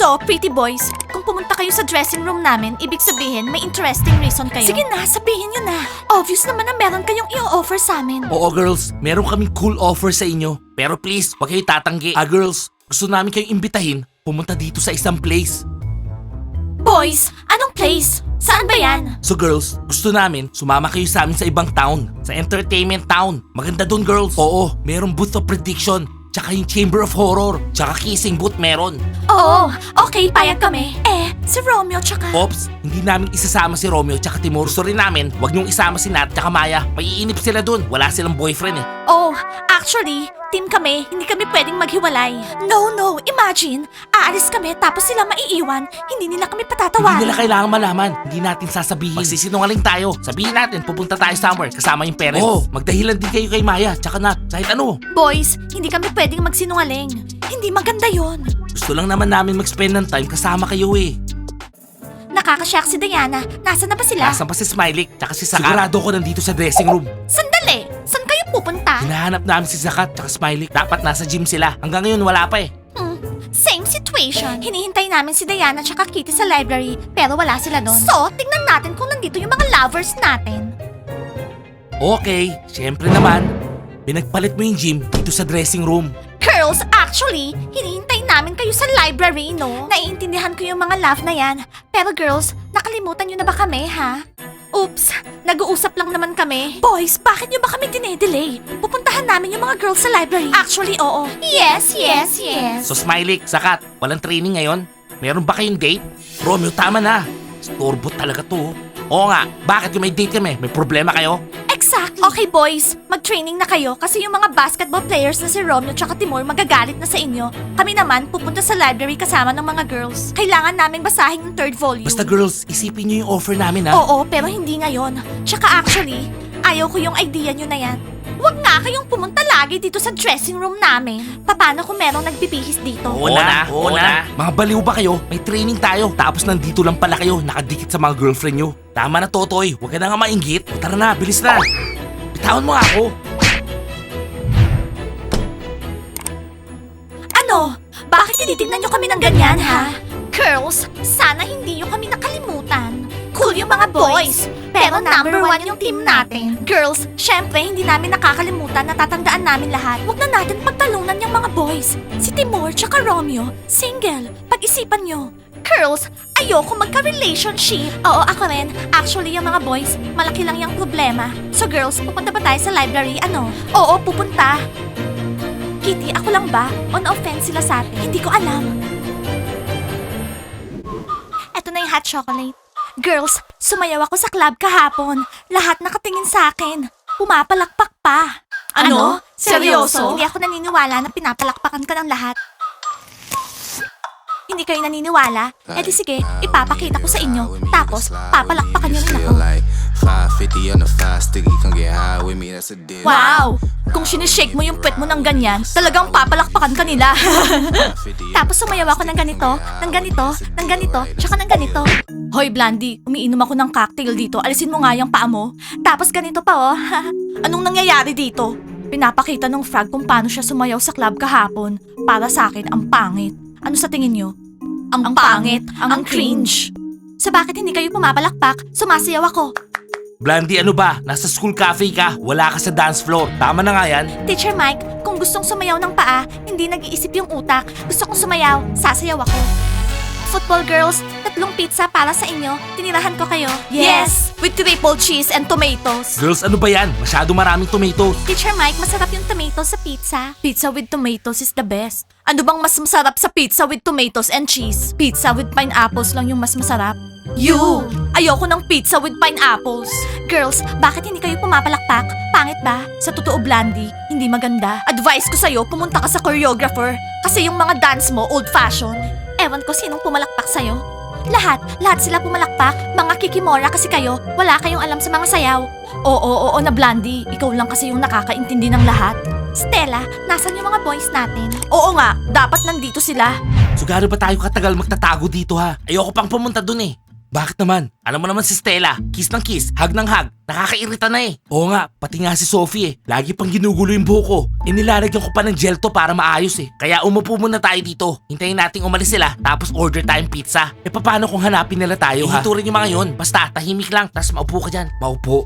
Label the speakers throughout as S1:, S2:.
S1: So, pretty boys, kung pumunta kayo sa dressing room namin, ibig sabihin may interesting reason kayo. Sige na, sabihin nyo na. Obvious naman na meron kayong i-offer sa amin.
S2: Oo girls, meron kaming cool offer sa inyo. Pero please, huwag kayo tatanggi. Girls, gusto namin kayong imbitahin pumunta dito sa isang place.
S1: Boys, anong place? Saan ba yan?
S2: So girls, gusto namin sumama kayo sa amin sa ibang town. Sa entertainment town. Maganda dun girls. Oo, merong booth of prediction. Tsaka yung Chamber of Horror. Tsaka kissing booth meron.
S1: Oo, okay, payag kami. Si Romeo tsaka...
S2: Ops, hindi namin isasama si Romeo tsaka Timur. Gusto rin namin, wag niyong isama si Nat tsaka Maya. Maiinip sila dun. Wala silang boyfriend eh.
S1: Oh, actually, team kami, hindi kami pwedeng maghiwalay. No, imagine, aalis kami tapos sila maiiwan, hindi nila kami patatawarin.
S2: Hindi nila kailangan malaman. Hindi natin sasabihin. Magsisinungaling tayo. Sabihin natin, pupunta tayo somewhere kasama yung parents. Oo, magdahilan din kayo kay Maya tsaka Nat. Kahit ano.
S1: Boys, hindi kami pwedeng magsinungaling. Hindi maganda yon.
S2: Gusto lang naman namin mag-spend ng time kasama kayo eh.
S1: Nakakashock si Diana. Nasaan na ba sila?
S2: Nasaan pa si Smiley tsaka si Sakat? Sigurado ko nandito sa dressing room.
S1: Sandali! Saan kayo pupunta?
S2: Hinahanap namin si Sakat tsaka Smiley. Dapat nasa gym sila. Hanggang ngayon wala pa eh.
S1: Same situation. Hinihintay namin si Diana tsaka Kitty sa library, pero wala sila doon. So, tingnan natin kung nandito yung mga lovers natin.
S2: Okay, syempre naman. Pinagpalit mo yung gym dito sa dressing room.
S1: Girls, actually, hinihintay namin kayo sa library, no? Naiintindihan ko yung mga love na yan. Pero girls, nakalimutan nyo na ba kami, ha? Oops, nag-uusap lang naman kami. Boys, bakit nyo ba kami dinedelay? Pupuntahan namin yung mga girls sa library. Actually, oo. Yes.
S2: So Smiley, Sakat, walang training ngayon? Meron ba kayong date? Romeo, tama na. Storbo talaga to. Oo nga, bakit yung may date kami? May problema kayo?
S1: Exactly. Okay, boys. Mag-training na kayo kasi yung mga basketball players na si Romeo tsaka Timur magagalit na sa inyo. Kami naman, pupunta sa library kasama ng mga girls. Kailangan naming basahin yung third volume.
S2: Basta girls, isipin nyo yung offer namin ha.
S1: Oo, pero hindi ngayon. Tsaka actually, ayaw ko yung idea nyo na yan. Huwag nga kayong pumunta lagi dito sa dressing room namin. Paano kung merong nagbibihis dito?
S2: Oo na. Mga baliw ba kayo? May training tayo. Tapos nandito lang pala kayo, nakadikit sa mga girlfriend nyo. Tama na, Totoy. Huwag ka na nga mainggit. Tara na, bilis na. Bitawan mo nga ako.
S1: Ano? Bakit tinitignan nyo kami ng ganyan, ha? Girls, sana hindi nyo kami nakalimutan. Cool yung mga boys, pero number one yung team natin. Girls, syempre hindi namin nakakalimutan, natatandaan namin lahat. Huwag na natin pagtalunan yung mga boys. Si Timur tsaka Romeo, single. Pag-isipan nyo. Girls, ayoko magka-relationship. Oo, ako rin. Actually, yung mga boys, malaki lang yung problema. So girls, pupunta ba tayo sa library? Ano? Oo, pupunta. Kitty, ako lang ba? On offense sila sa atin. Hindi ko alam. Eto na yung hot chocolate. Girls, sumayaw ako sa club kahapon. Lahat nakatingin sa akin. Pumapalakpak pa.
S2: Ano? Seryoso?
S1: Hindi ako naniniwala na pinapalakpakan ka ng lahat. Hindi kayo naniniwala? Eh di sige, ipapakita ko sa inyo. Tapos, papalakpakan niyo rin ako.
S3: 550 on the 5 sticky, come get high with me, that's a deal.
S1: Wow! Kung sinishake mo yung puwet mo ng ganyan, talagang papalakpakan ka nila. Tapos sumayaw ako ng ganito, ng ganito, ng ganito, tsaka ng ganito. Hoy, Blandy, umiinom ako ng cocktail dito. Alisin mo nga yung paa mo. Tapos ganito pa, oh. Anong nangyayari dito? Pinapakita ng frog kung paano siya sumayaw sa club kahapon. Para sa akin, ang pangit. Ano sa tingin nyo? Ang pangit, ang cringe. So bakit hindi kayo pumapalakpak? Sumasayaw ako.
S2: Blandy, ano ba? Nasa school cafe ka. Wala ka sa dance floor. Tama na nga yan.
S1: Teacher Mike, kung gustong sumayaw ng paa, hindi nag-iisip yung utak. Gusto kong sumayaw, sasayaw ako. Football girls, 3 pizza para sa inyo. Tinirahan ko kayo. Yes! With triple cheese and tomatoes.
S2: Girls, ano ba yan? Masyado maraming tomatoes.
S1: Teacher Mike, masarap yung tomatoes sa pizza. Pizza with tomatoes is the best. Ano bang mas masarap sa pizza with tomatoes and cheese? Pizza with pineapples lang yung mas masarap. You! Ayoko ng pizza with pineapples. Girls, bakit hindi kayo pumapalakpak? Pangit ba? Sa totoo, Blandy, hindi maganda. Advice ko sa'yo, pumunta ka sa choreographer. Kasi yung mga dance mo, old-fashioned. Ewan ko sinong pumalakpak sa'yo. Lahat sila pumalakpak. Mga kikimora kasi kayo. Wala kayong alam sa mga sayaw. Oo na Blandy. Ikaw lang kasi yung nakakaintindi ng lahat. Stella, nasan yung mga boys natin? Oo nga, dapat nandito sila.
S2: So gaano ba tayo katagal magtatago dito ha? Ayoko pang pumunta dun eh. Bakit naman? Alam mo naman si Stella, kiss ng kiss, hug ng hug. Nakakairita na eh. Oo nga, pati nga si Sophie eh. Lagi pang ginugulo yung buhok ko. Nilalagyan ko pa ng gel to para maayos eh. Kaya umupo muna tayo dito. Hintayin nating umalis sila, tapos order tayong pizza. E paano kung hanapin nila tayo ha? Ihiturin yung mga yun. Basta tahimik lang, tapos maupo ka dyan. Maupo.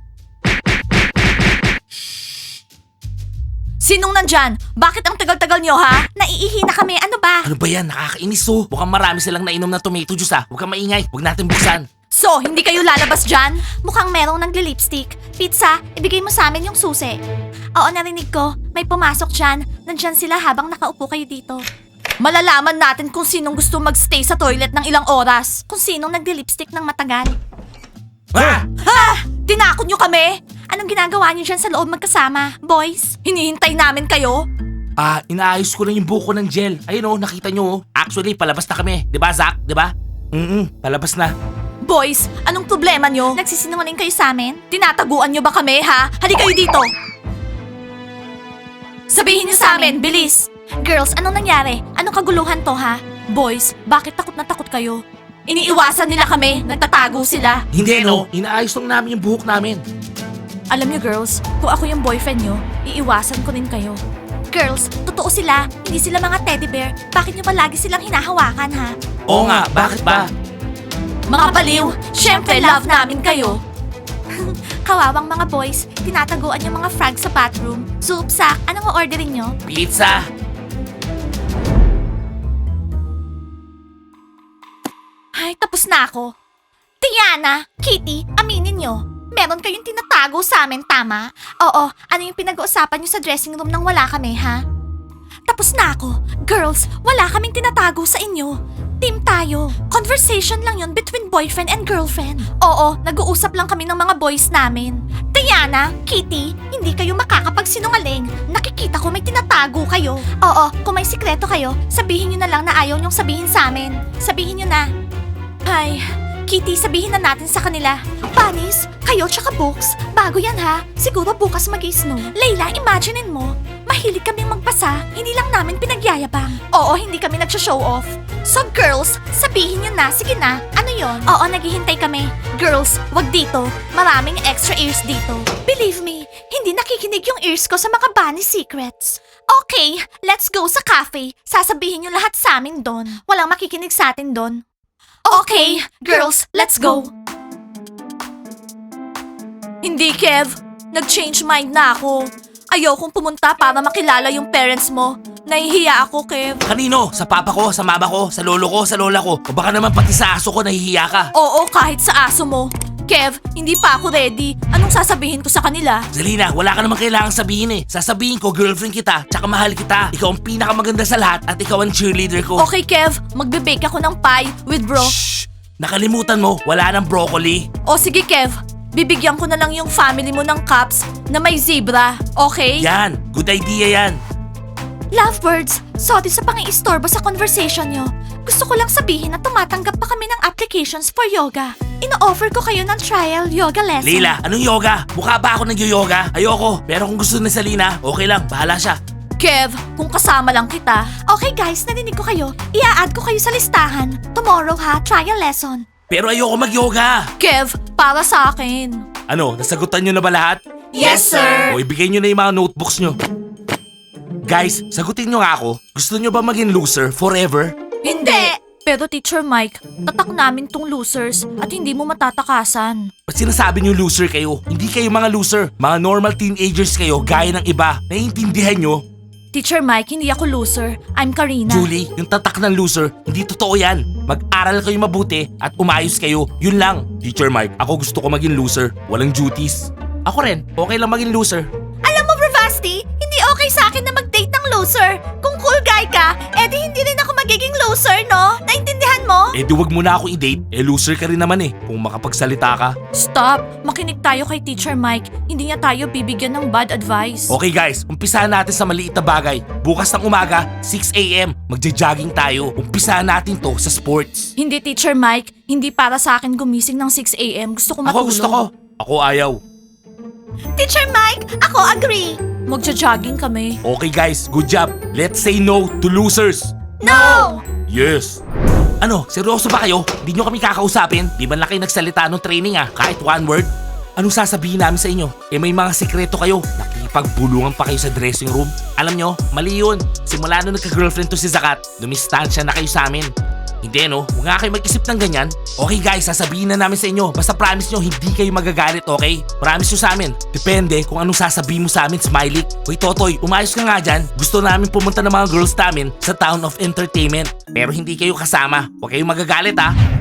S1: Sinong nandyan? Bakit ang tagal-tagal nyo ha? Naiihi na kami, ano ba?
S2: Ano ba yan? Nakakainis oh. Mukhang marami silang nainom na tomato juice ha. Huwag kang maingay. Huwag natin buksan.
S1: So, hindi kayo lalabas dyan? Mukhang merong nagli-lipstick. Pizza, ibigay mo sa amin yung susi. Oo, narinig ko. May pumasok dyan. Nandyan sila habang nakaupo kayo dito. Malalaman natin kung sinong gusto magstay sa toilet ng ilang oras. Kung sinong nagli-lipstick ng matagal.
S2: Ha?
S1: Ha! Tinakot nyo kami? Anong ginagawa nyo dyan sa loob magkasama? Boys, hinihintay namin kayo?
S2: Inaayos ko lang yung buko ng gel. Ayun oh, nakita nyo oh. Actually, palabas na kami. Di ba, Zach? Di ba? Palabas na.
S1: Boys, anong problema nyo? Nagsisinungaling kayo sa amin? Tinataguan nyo ba kami, ha? Halika kayo dito! Sabihin nyo sa amin, bilis! Girls, anong nangyari? Anong kaguluhan to, ha? Boys, bakit takot na takot kayo? Iniiwasan nila kami, nagtatago sila.
S2: Hindi no, inaayos lang namin yung buhok namin.
S1: Alam nyo, girls, kung ako yung boyfriend nyo, iiwasan ko rin kayo. Girls, totoo sila, hindi sila mga teddy bear. Bakit nyo palagi silang hinahawakan, ha?
S2: Oo nga, bakit ba?
S1: Mga baliw, syempre love namin kayo. Kawawang mga boys, tinataguan yung mga frag sa bathroom. Soup, Sak, anong orderin nyo?
S2: Pizza!
S1: Ay, tapos na ako. Tiana, Kitty, aminin nyo. Meron kayong tinatago sa amin, tama? Oo, ano yung pinag-uusapan nyo sa dressing room nang wala kami, ha? Tapos na ako. Girls, wala kaming tinatago sa inyo. Team tayo. Conversation lang yun between boyfriend and girlfriend. Oo, nag-uusap lang kami ng mga boys namin. Diana, Kitty, hindi kayo makakapagsinungaling. Nakikita ko may tinatago kayo. Oo, kung may sikreto kayo, sabihin nyo na lang na ayaw nyong sabihin sa amin. Sabihin nyo na. Ay, Kitty, sabihin na natin sa kanila. Bunnies, kayo tsaka books, bago yan ha. Siguro bukas mag-snow. Layla, imaginein mo, mahilig kaming magbasa, hindi lang namin pinagyayabang. Oo, hindi kami nagsha-show off. So girls, sabihin nyo na, sige na, ano yon? Oo, naghihintay kami. Girls, wag dito, maraming extra ears dito. Believe me, hindi nakikinig yung ears ko sa mga bunny secrets. Okay, let's go sa cafe. Sasabihin nyo lahat sa amin doon. Walang makikinig sa atin doon. Okay, girls, let's go. Hindi, Kev. Nag-change mind na ako. Ayokong pumunta para makilala yung parents mo. Nahihiya ako, Kev.
S2: Kanino? Sa papa ko, sa mama ko, sa lolo ko, sa lola ko. O baka naman pati sa aso ko nahihiya ka.
S1: Oo, kahit sa aso mo. Kev, hindi pa ako ready. Anong sasabihin ko sa kanila?
S2: Zalina, wala ka naman kailangang sabihin eh. Sasabihin ko, girlfriend kita, tsaka mahal kita. Ikaw ang pinakamaganda sa lahat at ikaw ang cheerleader ko.
S1: Okay, Kev. Magbe-bake ako ng pie with bro.
S2: Shh! Nakalimutan mo, wala nang broccoli.
S1: O sige, Kev. Bibigyan ko na lang yung family mo ng cups na may zebra. Okay?
S2: Yan, good idea yan.
S1: Lovebirds, sorry sa pang-iistorbo sa conversation nyo. Gusto ko lang sabihin na tumatanggap pa kami ng applications for yoga. Ino-offer ko kayo ng trial yoga lesson.
S2: Leila, anong yoga? Mukha ba ako nag-yoga? Ayoko, pero kung gusto ni Salina, okay lang, bahala siya.
S1: Kev, kung kasama lang kita. Okay guys, narinig ko kayo. Ia-add ko kayo sa listahan. Tomorrow ha, trial lesson.
S2: Pero ayoko mag-yoga.
S1: Kev, para sa akin.
S2: Ano, nasagutan nyo na ba lahat?
S1: Yes, sir.
S2: O ibigay nyo na yung mga notebooks nyo. Guys, sagutin nyo nga ako. Gusto nyo ba maging loser forever?
S1: Hindi! Pero Teacher Mike, tatak namin tong losers at hindi mo matatakasan.
S2: Ba't sinasabi nyo loser kayo? Hindi kayo mga loser. Mga normal teenagers kayo gaya ng iba. Naiintindihan nyo?
S1: Teacher Mike, hindi ako loser. I'm Karina.
S2: Julie, yung tatak ng loser, hindi totoo yan. Mag-aral kayo mabuti at umayos kayo. Yun lang. Teacher Mike, ako gusto ko maging loser. Walang duties. Ako rin, okay lang maging loser.
S1: Alam mo, Bravasti, hindi okay sa akin na mag-date ng loser. Kung cool guy ka, edi hindi rin ako magiging loser, no? Naintindihan mo?
S2: Eh di wag mo na ako i-date. Eh loser ka rin naman eh, kung makapagsalita ka.
S1: Stop! Makinig tayo kay Teacher Mike. Hindi niya tayo bibigyan ng bad advice.
S2: Okay guys, umpisahan natin sa maliit na bagay. Bukas ng umaga, 6 a.m. Magja-jogging tayo. Umpisahan natin to sa sports.
S1: Hindi, Teacher Mike. Hindi para sa akin gumising ng 6 a.m. Gusto ko matulog.
S2: Ako gusto ko. Ako ayaw.
S1: Teacher Mike, ako agree. Magja-jogging kami.
S2: Okay guys, good job. Let's say no to losers.
S1: No!
S2: Yes. Ano, seryoso ba kayo? Di nyo kami kakausapin? Di ba lang kayo nagsalita nung training kahit one word? Anong sasabihin namin sa inyo? May mga sekreto kayo. Nakipagbulungan pa kayo sa dressing room. Alam nyo, mali yun. Simula nung nagka-girlfriend to si Zakat, dumistansya na kayo sa amin. Hindi no, huwag nga kayo mag-isip ng ganyan. Okay guys, sasabihin na namin sa inyo. Basta promise nyo, hindi kayo magagalit, okay? Promise nyo sa amin. Depende kung anong sasabihin mo sa amin, Smiley. Hoy Totoy, umayos ka nga dyan. Gusto namin pumunta ng mga girls namin sa Town of Entertainment. Pero hindi kayo kasama. Huwag kayong magagalit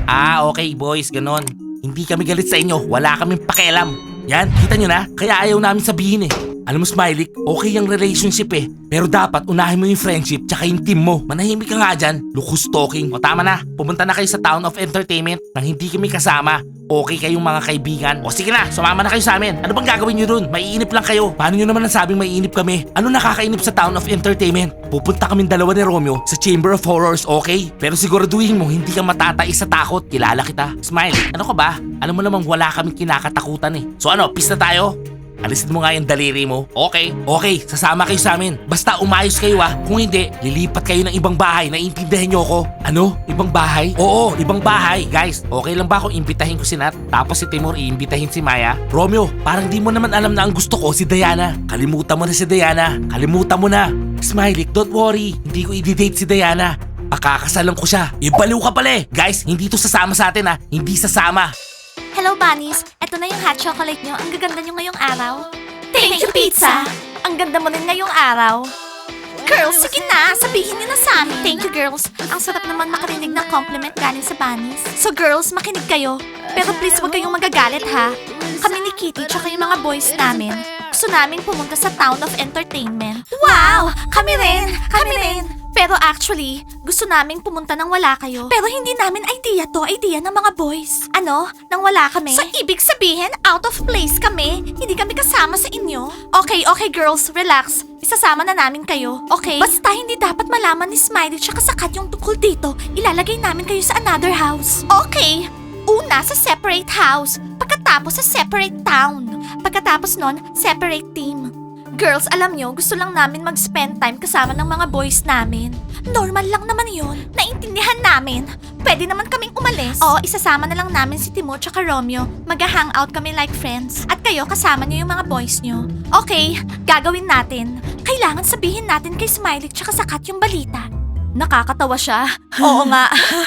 S2: okay boys, ganon. Hindi kami galit sa inyo, wala kaming pakialam. Yan, kita nyo na? Kaya ayaw namin sabihin Alam mo Smiley, okay yung relationship pero dapat unahin mo yung friendship tsaka yung team mo. Manahimik ka nga dyan, lukus talking. O tama na, pumunta na kayo sa Town of Entertainment nang hindi kami kasama. Okay kayong mga kaibigan. O sige na, sumama na kayo sa amin. Ano bang gagawin nyo dun? Maiinip lang kayo. Paano nyo naman nasabing maiinip kami? Ano nakakainip sa Town of Entertainment? Pupunta kaming dalawa ni Romeo sa Chamber of Horrors, okay? Pero siguraduhin mo, hindi ka matatais sa takot. Kilala kita. Smiley, ano ka ba? Alam mo namang wala kaming kinakatakutan So ano, peace na tayo? Alisin mo nga yung daliri mo. Okay, sasama kayo sa amin. Basta umayos kayo Kung hindi, lilipat kayo ng ibang bahay. Naiintindihan nyo ako? Ano? Ibang bahay? Oo, ibang bahay. Guys, okay lang ba kung imbitahin ko si Nat? Tapos si Timur iimbitahin si Maya? Romeo, parang di mo naman alam na ang gusto ko si Diana. Kalimutan mo na si Diana. Kalimutan mo na. Smiley, don't worry. Hindi ko i-date si Diana. Pakakasalan ko siya. Ibaliw ka pala Guys, hindi to sasama sa atin Hindi sasama.
S1: Hello, bunnies! Ito na yung hot chocolate nyo. Ang gaganda nyo ngayong araw. Thank you, pizza! Ang ganda mo rin ngayong araw. Girls, sige na! Sabihin nyo na sa amin. Thank you, girls. Ang sarap naman makarinig ng compliment galing sa bunnies. So, girls, makinig kayo. Pero please, huwag kayong magagalit, ha? Kami ni Kitty tsaka yung mga boys namin. Gusto namin pumunta sa Town of Entertainment. Wow! Kami rin! Kami rin! Pero actually, gusto naming pumunta nang wala kayo. Pero hindi namin idea ng mga boys. Ano? Nang wala kami? So, ibig sabihin, out of place kami? Hindi kami kasama sa inyo? Okay, girls, relax. Isasama na namin kayo, okay? Basta hindi dapat malaman ni Smiley tsaka Sakat yung tungkol dito. Ilalagay namin kayo sa another house. Okay. Una sa separate house. Pagkatapos sa separate town. Pagkatapos nun, separate team. Girls, alam nyo, gusto lang namin mag-spend time kasama ng mga boys namin. Normal lang naman yun. Naintindihan namin. Pwede naman kaming umalis. Oo, isasama na lang namin si Timur tsaka Romeo. Mag-hangout kami like friends. At kayo, kasama nyo yung mga boys nyo. Okay, gagawin natin. Kailangan sabihin natin kay Smiley tsaka Sakat yung balita. Nakakatawa siya. Oo nga.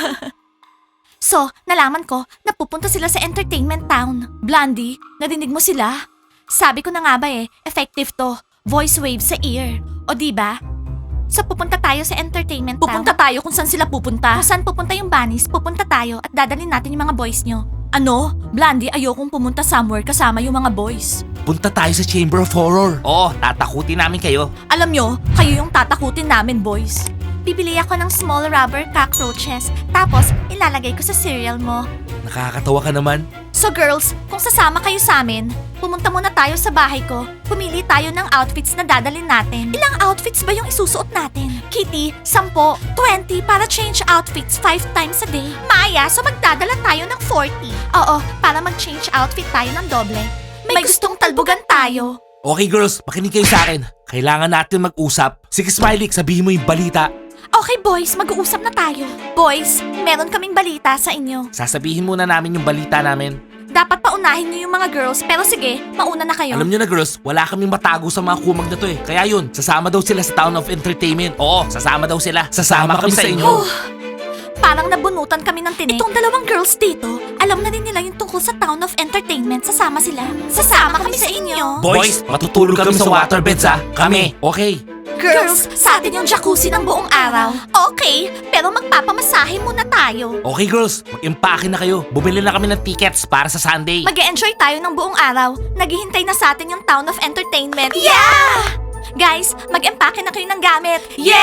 S1: So, nalaman ko na pupunta sila sa entertainment town. Blondie, narinig mo sila? Sabi ko na nga ba effective to. Voice wave sa ear. O diba? So pupunta tayo sa entertainment town. Pupunta tayo kung saan sila pupunta. Kung saan pupunta yung bunnies, pupunta tayo at dadalhin natin yung mga boys nyo. Ano? Blondie, ayokong pumunta somewhere kasama yung mga boys.
S2: Punta tayo sa Chamber of Horror. Oo, tatakutin namin kayo.
S1: Alam nyo, kayo yung tatakutin namin, boys. Bibili ako ng small rubber cockroaches, tapos ilalagay ko sa cereal mo.
S2: Nakakatawa ka naman.
S1: So girls, kung sasama kayo sa amin, pumunta muna tayo sa bahay ko. Pumili tayo ng outfits na dadalhin natin. Ilang outfits ba yung isusuot natin? Kitty, 10, 20 para change outfits 5 times a day. Maya, so magdadala tayo ng 40. Oo, para mag-change outfit tayo ng doble. May gustong talbugan tayo.
S2: Okay girls, makinig kayo sa akin. Kailangan natin mag-usap. Sige Smiley, sabihin mo yung balita.
S1: Okay boys, mag-uusap na tayo. Boys, meron kaming balita sa inyo.
S2: Sasabihin muna namin yung balita namin.
S1: Dapat paunahin niyo yung mga girls, pero sige, mauna na kayo.
S2: Alam nyo na girls, wala kaming matago sa mga kumag na to Kaya yun, sasama daw sila sa Town of Entertainment. Oo, sasama daw sila. Sasama kami sa inyo.
S1: Parang nabunutan kami ng tinik. Itong dalawang girls dito, alam na din nila yung tungkol sa Town of Entertainment. Sasama sila. Sasama kami sa inyo.
S2: Boys, matutulog kami sa waterbeds Kami. Okay.
S1: Girls, sa atin yung jacuzzi ng buong araw. Okay, pero magpapamasahe muna tayo.
S2: Okay girls, mag-impake na kayo. Bumili na kami ng tickets para sa Sunday.
S1: Mag-e-enjoy tayo ng buong araw. Naghihintay na sa atin yung Town of Entertainment. Yeah! Guys, mag-empake na kayo ng gamit.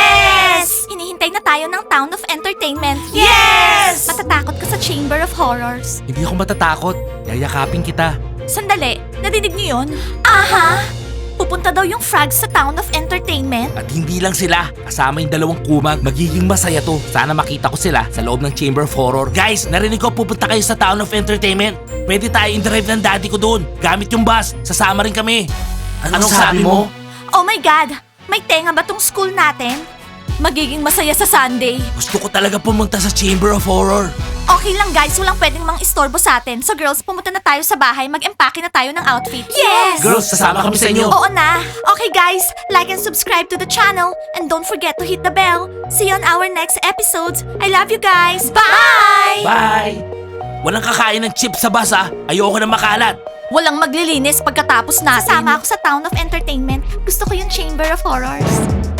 S1: Yes! Hinihintay na tayo ng Town of Entertainment. Yes! Matatakot ka sa Chamber of Horrors.
S2: Hindi ako matatakot. Yayakapin kita.
S1: Sandali, narinig niyo yun? Aha! Pupunta daw yung frogs sa Town of Entertainment.
S2: At hindi lang sila, kasama yung dalawang kumag. Magiging masaya to. Sana makita ko sila sa loob ng Chamber of Horror. Guys, narinig ko pupunta kayo sa Town of Entertainment. Pwede tayo in-drive ng daddy ko doon. Gamit yung bus. Sasama rin kami. Anong sabi mo?
S1: Oh my God! May tenga ba tong school natin? magiging masaya sa Sunday.
S2: Gusto ko talaga pumunta sa Chamber of Horror.
S1: Okay lang guys, walang pwedeng mang istorbo sa atin. So girls, pumunta na tayo sa bahay, mag-empake na tayo ng outfit. Yes!
S2: Girls, sasama kami sa inyo.
S1: Oo na. Okay guys, like and subscribe to the channel. And don't forget to hit the bell. See you on our next episodes. I love you guys. Bye!
S2: Bye! Walang kakain ng chips sa bus ah. Ayoko na makalat.
S1: Walang maglilinis pagkatapos natin. Sasama ako sa Town of Entertainment. Gusto ko yung Chamber of Horrors.